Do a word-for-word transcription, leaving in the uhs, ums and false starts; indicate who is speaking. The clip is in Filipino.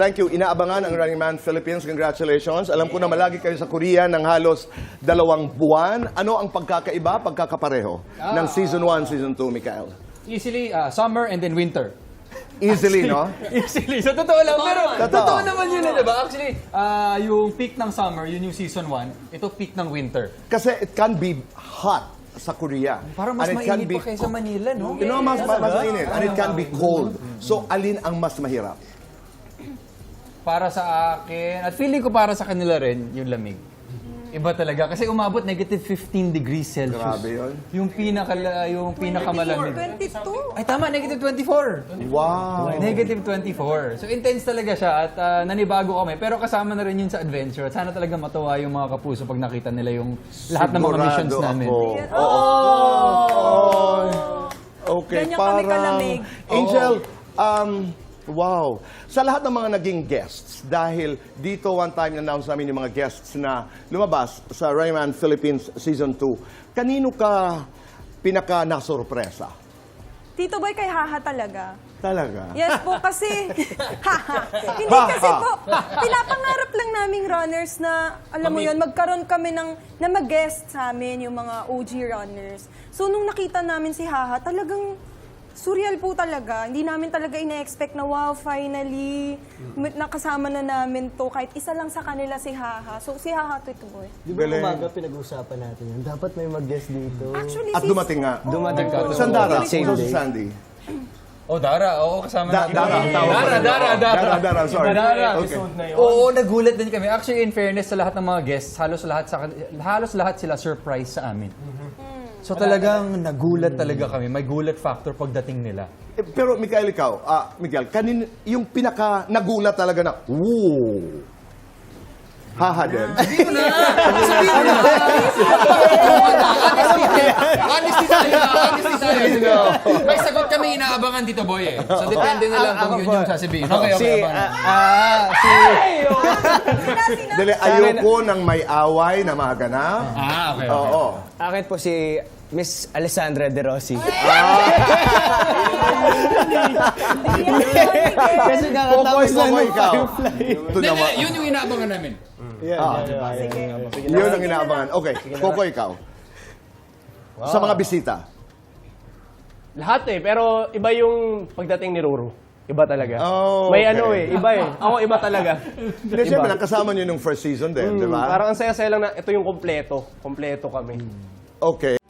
Speaker 1: Thank you. Inaabangan ang Running Man Philippines. Congratulations. Alam ko na malagi kayo sa Korea ng halos dalawang buwan. Ano ang pagkakaiba, pagkakapareho ng Season one, Season two, Mikael?
Speaker 2: Easily, uh, summer and then winter.
Speaker 1: Easily, no?
Speaker 2: Easily. So, totoo lang. Pero,
Speaker 1: Totoo.
Speaker 2: totoo naman yun, eh, diba? Actually, uh, yung peak ng summer, yun yung season one. Ito, peak ng winter.
Speaker 1: Kasi it can be hot sa Korea.
Speaker 2: Parang mas
Speaker 1: And it can
Speaker 2: mainit
Speaker 1: be
Speaker 2: pa kaysa Manila, no?
Speaker 1: You know, mas, mas, mas mainit. And it can be cold. So, alin ang mas mahirap?
Speaker 2: Para sa akin, at feeling ko para sa kanila rin, yung lamig. Iba talaga. Kasi umabot negative fifteen degrees Celsius.
Speaker 1: Grabe yun.
Speaker 2: Yung, pinaka, yung pinakamalamig.
Speaker 3: twenty-two.
Speaker 2: Ay, tama, negative twenty-four.
Speaker 1: Wow.
Speaker 2: Negative twenty-four. So, intense talaga siya at uh, nanibago kami. Pero kasama na rin yun sa adventure. At sana talaga matuwa yung mga kapuso pag nakita nila yung lahat ng mga missions
Speaker 1: Sigurado
Speaker 2: namin.
Speaker 1: ako.
Speaker 3: Oo.
Speaker 1: Oh. Okay,
Speaker 3: Ganyan kami
Speaker 1: parang...
Speaker 3: kalamig.
Speaker 1: Angel, um, wow. Sa lahat ng mga naging guests, dahil dito one time na-announce namin yung mga guests na lumabas sa Running Man Philippines Season two, kanino ka pinaka-nasurpresa?
Speaker 3: Tito Boy, kay Haha talaga.
Speaker 1: Talaga?
Speaker 3: Yes po, kasi... Haha. Hindi
Speaker 1: Baha.
Speaker 3: kasi po, pinapangarap lang naming runners na, alam mo yun, magkaroon kami ng, na mag-guest sa amin, yung mga O G runners. So, nung nakita namin si Haha, talagang surreal po talaga. Hindi namin talaga ina-expect na, wow, finally, nakasama na namin to. Kahit isa lang sa kanila si Haha. So, si Haha, Tito Boy.
Speaker 4: Di ba
Speaker 1: Galing.
Speaker 4: umaga pinag-uusapan natin yun? Dapat may mag-guest dito.
Speaker 3: Actually,
Speaker 1: At
Speaker 3: si-
Speaker 1: dumating nga.
Speaker 4: Dumating ka.
Speaker 1: Sandara,
Speaker 4: Same
Speaker 1: so si
Speaker 4: day.
Speaker 1: Sandy.
Speaker 2: Oh, Dara. Oo, kasama
Speaker 1: Da-
Speaker 2: natin.
Speaker 1: Dara, ang tawag
Speaker 2: Dara,
Speaker 1: ko rin.
Speaker 2: Dara,
Speaker 1: Oo.
Speaker 2: Dara.
Speaker 1: Dara, Dara, sorry.
Speaker 2: Dara.
Speaker 1: Okay.
Speaker 2: Oo, nagulat din kami. Actually, in fairness sa lahat ng mga guests, halos lahat sa halos lahat sila surprise sa amin. So talagang nagulat talaga kami. May gulat factor pagdating nila.
Speaker 1: Eh, pero Mikael, ikaw, ah, Miguel, kanin, yung pinaka nagulat talaga na, woo! Haha din.
Speaker 2: Sabihin mo na! Sabihin mo na! Honesty tayo! Honesty tayo! May sagot kami inaabangan, Tito Boy eh. So depende na lang kung yun yung sasabihin. Okay, okay,
Speaker 4: Si,
Speaker 2: abangan.
Speaker 4: ah, ah, si...
Speaker 1: Dali, ayoko ng may away na maganap.
Speaker 2: Ah, okay, okay.
Speaker 1: Oo.
Speaker 4: Akin po si Miss Alessandra De Rossi. Kasi
Speaker 1: Popoy,
Speaker 4: kakatapos lang
Speaker 1: Popoy,
Speaker 4: ng
Speaker 1: ikaw.
Speaker 4: Firefly.
Speaker 1: Ito
Speaker 2: Hindi,
Speaker 1: naman.
Speaker 2: hindi, yun yung inaabangan namin.
Speaker 1: Ah, yun ang inaabangan. Okay, Popoy, ikaw. Sa mga bisita.
Speaker 5: Lahat eh, pero iba yung pagdating ni Ruru. Iba talaga.
Speaker 1: Oh,
Speaker 5: May
Speaker 1: okay.
Speaker 5: ano eh, iba eh. Ako iba talaga.
Speaker 1: Hindi, siyempre, nakasama nyo nung first season din, di ba?
Speaker 5: Parang ang saya-saya lang na ito yung kompleto. Kompleto kami.
Speaker 1: Okay.